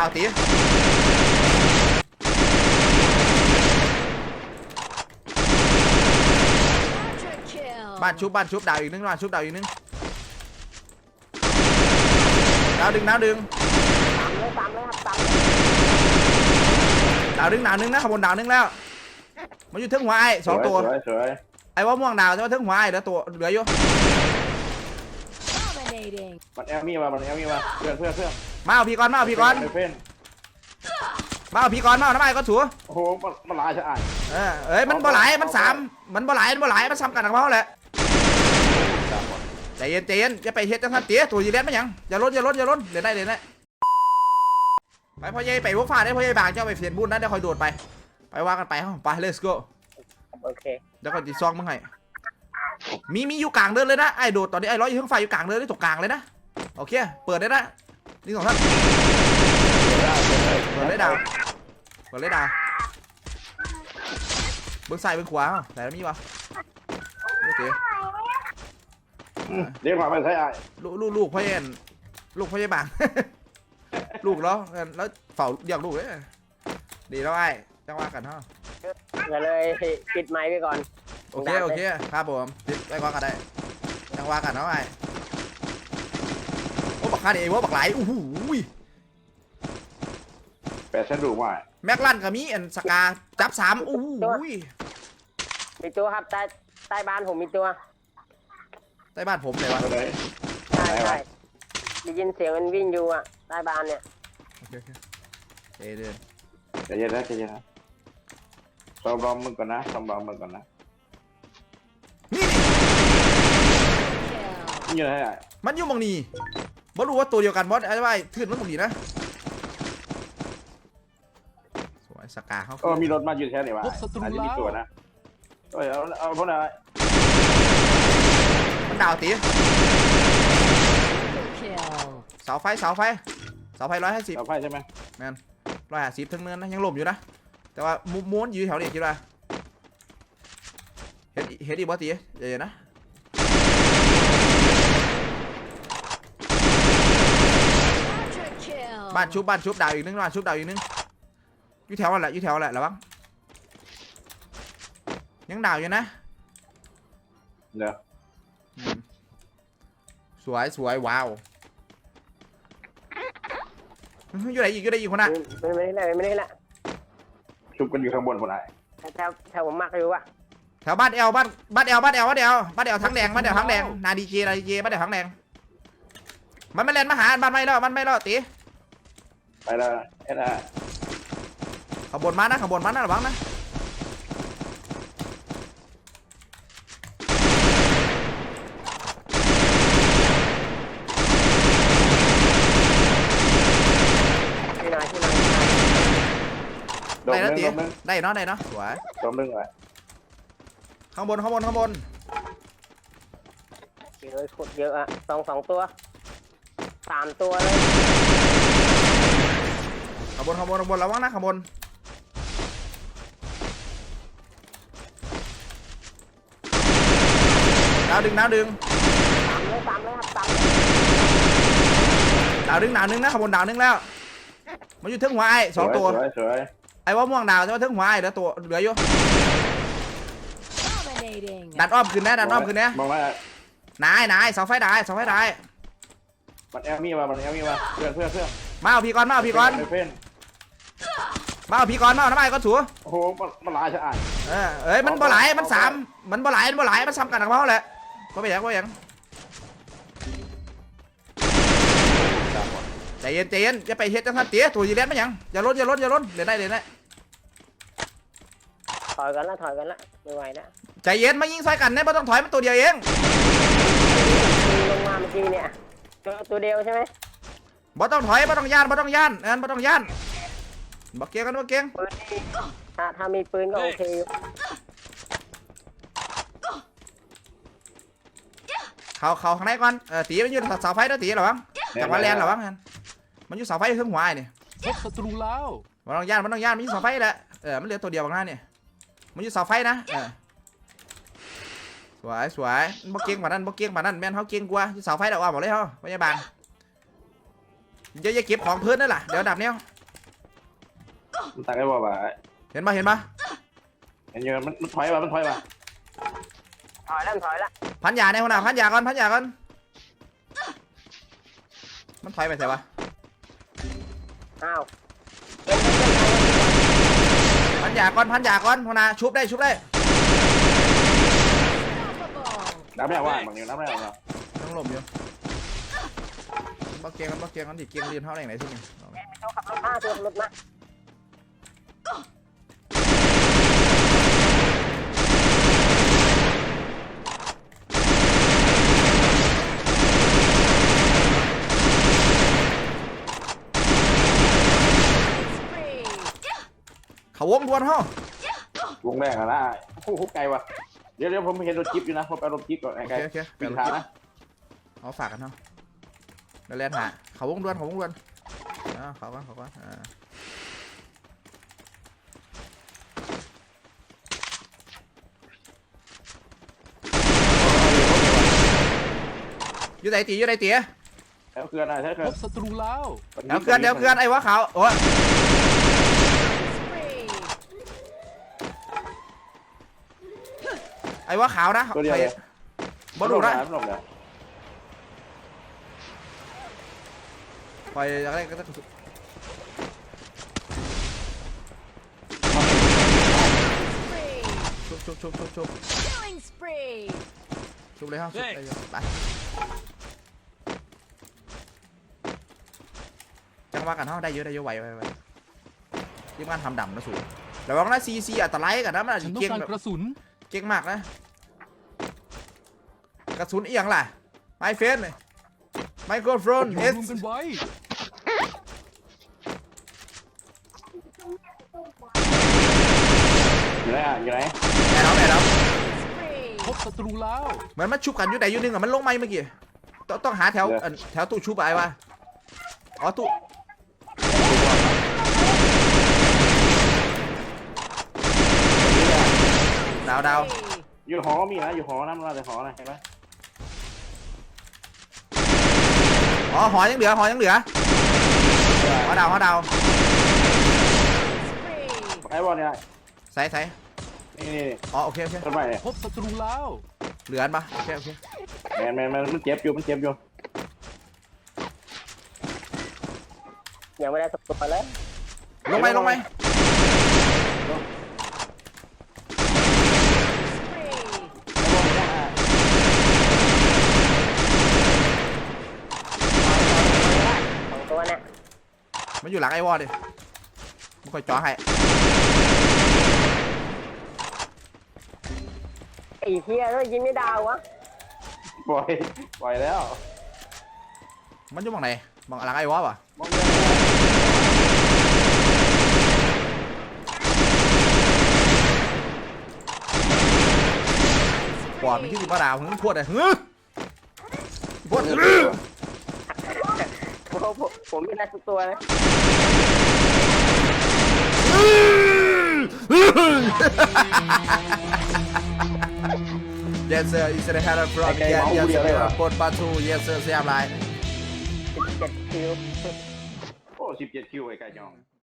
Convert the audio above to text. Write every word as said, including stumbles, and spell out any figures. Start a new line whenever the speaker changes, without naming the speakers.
าวตีบ้านชุบบ้านชุบดาวอีกนึงบ้านชุบดาวอีกนึงดาวดึงดาวดึงดาวดึงดาวนึงนะขบวนดาวนึงแล้วมันอยู่ถึงหัวไอ้สองตัวไอ้ว่าม่วงดาวจะมาถึงหัวไอ้เหลือตัวเหลืออยู่
มันแอลมี่มามันแอลมี่มาเพื่อนเพื่อนเพื่อน
มาเอาพี่ก่อนมาเอาพี่ก่อนมาเอาพี่ก่อนมาเอาน้ำไอ้ก็ถู
โอ้โหมันหลายใช่ไหม
เออเอ้ยมันบ่หลายมันสามมันบ่หลายมันบ่หลายมันซ้ำกันกับเขาแหละใจเย็นใจเย็นอย่าไปเฮ็ดจังทันเตี้ยตัวยีเล่นไม่ยังอย่าล้นอย่าล้นอย่าล้นเดี๋ยวได้เดี๋ยวได้ไปพ่อใหญ่ไปพวกฟ้าได้พ่อใหญ่บางเจ้าไปเสียนบุญนะเดี๋ยวคอยโดดไปไปว่ากันไปห้องไป let's go
โอเค
เดี๋ยวคอยติดซองมึงให้มีมีอยู่กลางเดินเลยนะไอ้โดดตอนนี้ไอ้ร้อยอยู่ข้างไฟอยู่กลางเดินได้ตกกลางเลยนะโอเคเปิดได้นะนี่สองท่านเปิดเลยดาวเปิดเลยดาวเบื้องซ้ายเบื้องขวาไหนมีวะโอเค
เรียกมาไปใช่ไอ้
ลูกลูกลูกพ่อเย็นลูกพ่อเย็นบางลูกแล้วแล้วเฝ้าอย่างลูกเลยดีแล้วไอ้จังว่ากันเนาะ
ก็เลยปิดไมค์ไปก่อน
โอเคโอเคครับผมปิดไปก่อนกันได้จังว่ากันเนาะไอ้โอ้บักคาเดว่าบักไหลโอ้โห
แปดชั้นดูว่า
แม็กลันกับมีอันสกาจับสามโอ้โห
มีตัวครับใต้ใต้บ้านผมมีตัว
ใต้บ้านผมเลยวะ
ใช่ใช่ได้ยินเสียงมันวิ่งอยู่อ่ะใต้บ้านเนี่ย
โอเคโอเคเดี๋ยวเดี๋ยว
ใจเย็นนะใจเย็นนะซ้อมรอมึงก่อนนะซ้อมรอมึงก่อนนะ
นี่
นี่อยู่ไหนอ่ะ
มันอยู่มองนี่บอสรู้ว่าตัวเดียวกันบอสไอ้ไอ้ทื่นมันมองนี่นะสวยสกาเขา
เออมีรถมาอยู่แค่ไหนวะอาจจะมีตัวนะเออเอาเอาพวกนั้น
มันดาวตีเสาไฟเสาไฟเสาไฟร้อยห้าสิบ
เสาไฟใช่ไหม
แมนร้อยห้าสิบทั้งเนินนะยังหล่มอยู่นะแต่ว่าม้วนอยู่แถวนี้คิดว่าเฮ็ดเฮ็ดอีบอสตีเดี๋ยวนะบ้านชุบบ้านชุบดาวอีกนึงบ้านชุบดาวอีกนึงอยู่แถวนั่นแหละอยู่แถวนั่นแหละระวังยังดาวอยู่นะ
เดี๋ยว
สวยสวยว้าวอยู่ไหนอีกอยู่ไหนอีกคนน่ะ
ไม่ไม่ได้ไม่ได้ละชุบกันอยู่ข้างบนคนไหนแถวแถวผมมักอยู่วะ
แถวบ้านเอลบ้านบ้านเอลบ้านเอลบ้านเอลบ้านเอลทั้งแดงบ้านเอลทั้งแดงนาดีเจนาดีเจบ้านเอลทั้งแดงมันไม่เล่นมาหาบ้านไม่แล้วมันไม่แล้วตี
ไปแล้วเอ็ดอะ
ขบวนมานะขบวนมานะระวังนะได้แล้วตีได้เนาะได้เนาะสวย
ตัวนึงเลย
ข้างบนข้างบนข้างบน
เยอะขุดเยอะอะสองสองตัวสามตัวเลย
ข้างบนข้างบนข้างบนระวังนะข้างบนดาวดึงดาวดึง
สามเลยครับสาม
ดาวดึงดาวนึงนะข้างบนดาวนึงแล้วมันอยู่ถึงหัวไอ้สองตัวไอ้ว่าม่วงดาวจะมาถึงหัวไอ้เหลือตัวเหลืออยู่ดันอ้อมขึ้นนะดันอ้อมขึ้นนะ
มองว่
านายนายเสาไฟได้เสาไฟได้
มันแอลมี่มามันแอลมี่มาเพื่อนเพื่อนเพื่อน
มาเอาพี่ก่อนมาเอาพี่ก่อนมาเอาพี่ก่อนมาเอาน้ำไอ้ก็ถู
โอ้โหมันหลายใช่ไหม
เออเอ้ยมันบ่หลายมันสามมันบ่หลายมันบ่หลายมันซ้ำกันกับเขาแหละก็ไปยังก็ไปยังใจเย็นใจเย็นอย่าไปเฮ็ดจังทันเตี้ยตัวยีเล่นไม่ยังอย่าล้นอย่าล้นอย่าล้นเดี๋ยวได้เดี๋ยวได้
ถอยกันละถอยกันละไม่ไหวนะ
ใจเย็นมายิงใส่กันเนี่ยไม่ต้องถอยมันตัวเดียวเอง
ลงมาเมื่อกี้เนี่ยตัวเดียวใช่ไหม
บ่ต้องถอยบ่ต้องย่านบ่ต้องย่านเอ็นบ่ต้องย่านบักเกียงกันบักเกียง
ถ้าถ้ามีปืนก็โอเค
เขาเขาข้างในก่อนเออตีมันอยู่เสาไฟนะตีหรอวะจากมาแลนหรอวะมันอยู่เสาไฟขึ้นหัวนี่
พบศัตรูแล้ว
มันต้องย่านมันต้องย่านมันอยู่เสาไฟแหละเออมันเหลือตัวเดียวบางหน้าเนี่ยมันอยู่เสาไฟนะเออสวยสวยบักเกียงมานั่นบักเกียงมานั่นแม่นเขาเกียงกว่าอยู่เสาไฟเดี๋ยวว่าบอกเลยเขาพยาบาลเยอะๆเก็บของเพื่อนนั่นแหละเดี๋ยวดับเนี้ย
มันตักไอ้บ่บ่า
เห็นปะเห็นปะ
เห็นเยอะมันมันถอยมามันถอยมาถอยแล้วถอยแล้ว
พันยาในหัวหน้าพันยาก่อนพันยาก่อนมันถอยไปใช่ปะ
อ้าว
พันยาก่อนพันยาก่อนหัวหน้าชุบได้ชุบได้
น้ำไม่ว่างบางอย่างน้ำไม่ว่าง
ต้องหลบอยู่บักเกียงกันบักเกียงกันดิเกียงเรียนเท่าไหร่ไหนที่นี่
เขาขับรถมาตัวรถมา
เขาวงทวนห้อง
วงแรกอะนะโอ้โหไกลว่ะเดี๋ยวเดี๋ยวผมเห็นรถจิ๊บอยู่นะผมไปรถจิ๊บก่อนไอ้
โอ
ไกล
เคโอเค
ปีนขานะ
เอาฝากกันเนาะเดี๋ยวแลนหาเขาวงทวนเขาวงทวนอ่าเขาก่อนเขาก่อนอ่าอยู่ไหนตีอยู่ไหนตี
แล้วเคลื่อนอะไรแล้วเคลื่
พ
อน
บศัตรูแล้ว
เดี๋ยวเคลื่อนเดี๋ยวเคลื่อนไอ้วะขาวโอ้ยไอ้วะขาวนะ
ตัวเดียว
ไปบอลดูนะ
หลบเลย
ปล่อยอะไรก็ต้องชุบชุบชุบชุบชุบ
Killing spree.
ชุบเลยครับชุบเลยไปจังหวะกันเท่าได้เยอะได้เยอะไวไวไวทีมงานทำดำนะสูแต่ว่านะซีซีอัตไลกันนะมันอาจ
ฉั
จะ
นต้อง
เก่ง
การ
แบบ
กระสุน
เก่งมากนะกระสุนเอียงล่ะไมเฟนไมโครโฟน
อยู่
เอส
รวมกันไว้
อยู่ไหนอ่ะอยู่ไหน
แอบแล้วแอบแล้ว
Spree.
พบศัตรูแล้ว
เหมือนมันชุบกันอยู่ไหนอยู่นึงอ่ะมันลงไม้เมื่อกี้ต้องต้องหาแถวอันแถวตู้ชุบอะไรวะอ๋อตู้ดาวดาว
Spree.
อยู่หอมีนะอยู่หอนะมันมาแต่หอนะเห็นไหม
อ๋อหอยังเหลือหอยังเหลือหอดาวหอดาว
Spree.
ไอ้บอลเนี่ย
ใส่ใส่
นี่นี่
อ๋อโอเคโอเค
ต้นไม้เนี่ย
พบศัตรูแล้ว
เหลืออันปะโอเคโอเค
แมนแมนมันเจ็บอยู่มันเจ็บอยู่
ยังไม่ได้สักตัวเลย
ลงไหมลงไหม
Spree.
สองตัวเนี่ย
มันอยู่หลังไอ้วอลดิมันคอยจ่อให้
ไอ้เฮียด้วยยิงไม่ดาววะ
ปล่อยปล่อยแล้ว
มันอยู่บังไหนบังหลังไอ้วอลป่ะ
มองเดิน
ปอดมันที่สิบมาดาวหึงพวดเลยหึงพวดหึง
ผมผมผมไม่ได้สักตัวนะ
Yes sir is the head from yes yes sir ปนปลาทู yes sir เสียบไร
สิบเจ็ดคิว
โอ้สิบเจ็ดคิวไอ้ไก่จอง